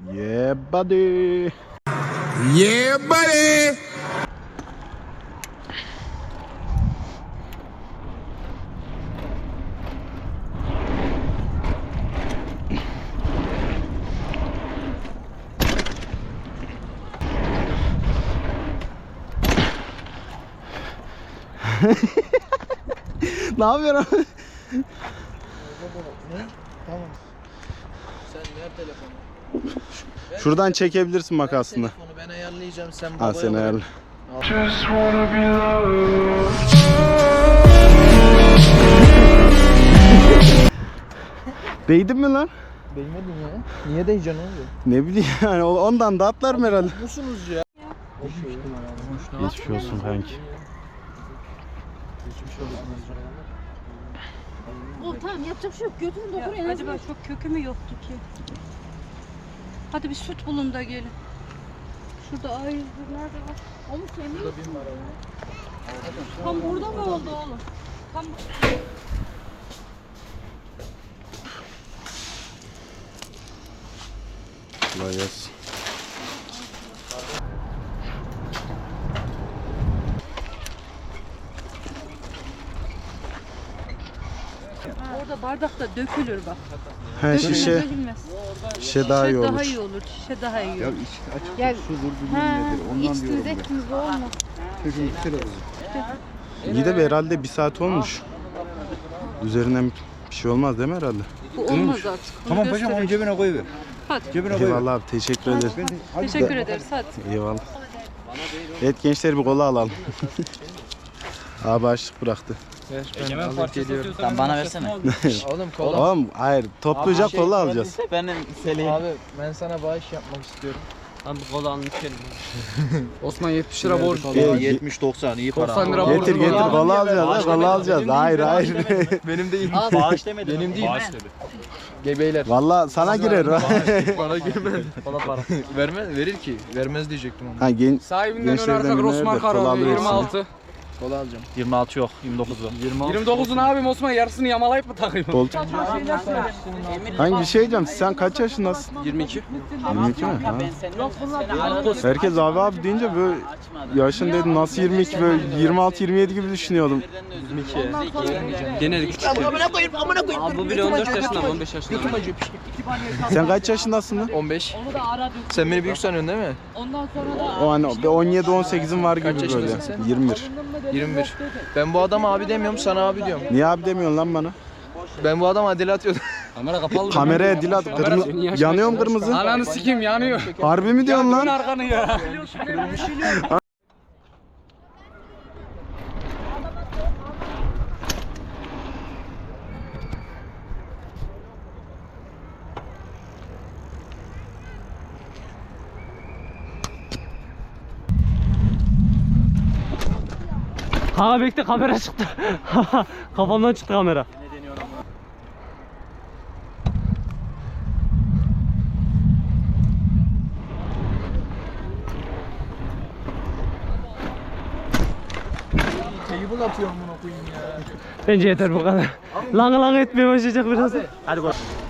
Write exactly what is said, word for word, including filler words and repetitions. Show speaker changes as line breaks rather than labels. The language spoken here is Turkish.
Yeah buddy.
Yeah buddy.
Ne yapıyorsun?
Ne? Tamam. Sen ver telefonu.
Şuradan çekebilirsin makasını.
Telefonu ben ayarlayacağım, sen
Ha
babaya
sen
bak.
ayarla. Değdin mi lan?
Değmedin ya. Niye değeceksin oğlum?
Ne bileyim yani ondan da atlarım herhalde.
Musunuz ya?
Geçmiş olsun kanki.
O tamam yapacak bir şey yok. Götürün doktor en
Acaba çok kökü mü yoktu ki? Hadi bir süt bulun da gelin. Şurada ay nerede var?
Onu sevmiyor.
Tam burada mı oldu oğlum? Tam
Kolay gelsin.
orada bardakta dökülür bak.
He
Dökülmez,
şişe,
dökülmez.
şişe daha iyi
Şişe
olur.
daha iyi olur. Şişe daha iyi olur.
açık
Gel.
sudur bilmem
Ha,
nedir. Ondan
içtiniz
diyorum ben.
ettiniz bu olmaz.
Çocuğun kere oldu.
İyi de be herhalde bir saat olmuş. Üzerinden bir şey olmaz değil mi herhalde?
Bu olmaz artık. Bunu
Tamam paşam onu
gösterin.
cebine koyuver.
Hadi.
Cebine koyuver.
Eyvallah abi teşekkür ederiz.
Teşekkür ederiz. Hadi.
Eyvallah. Evet gençler bir kola alalım. Abi açlık bıraktı.
Ben alıp geliyorum.
Sen bana versene.
Oğlum kola.
Oğlum hayır topluca
Abi,
kola
şey,
alacağız.
Benim Selim.
Abi ben sana bağış yapmak istiyorum.
Abi kola almış gelin.
Osman yetmiş lira borç.
Gel,
yetmiş doksan iyi para.
doksan lira
Getir getir kola alacağız ha kola alacağız. Hayır hayır.
Benim değil.
Bağış demedim.
Benim değil. Gebeyler.
Valla sana girer.
Bana girmez. Kola para. Vermez, verir ki. Vermez diyecektim ama.
Ha gen
Sahibinden
Gençlerden
oynarsak
birine
Osman
de kola
Karaoğlu
alıversin.
yirmi altı.
Kola alacağım.
yirmi altı yok, yirmi dokuz var.
yirmi dokuzun abim Osman yarısını yamalayıp mı takayım?
Bol. Hangi şey diyeceğim sen kaç yaşındasın?
yirmi iki.
yirmi iki mi? Ha. Herkes abi abi deyince böyle yaşın dedim nasıl yirmi iki böyle yirmi altı yirmi yedi gibi düşünüyordum.
Gene de küçük. Abi bu bile on dört yaşında, on beş yaşında.
Sen kaç yaşındasın lan?
on beş. Sen beni büyük sanıyorsun değil mi?
O hani on yedi on sekizin var
Kaç
gibi böyle.
yaşındasın sen?
yirmi bir.
yirmi bir. Ben bu adama abi demiyorum, sana abi diyorum.
Niye abi demiyorsun lan bana?
Ben bu adama dil atıyordum.
Kamera kapalı.
Kameraya dil at. Kırmızı, yanıyor mu kırmızı?
Ananı sikeyim yanıyor.
Harbi mi diyorsun
Dön
lan?
arkanı ya.
Ha bekle kamera çıktı. Kafamdan çıktı kamera.
Teyibul atıyorum bunu koyayım ya.
Bence yeter bu kadar. Lang lang etmeye başlayacak biraz. Hadi koy.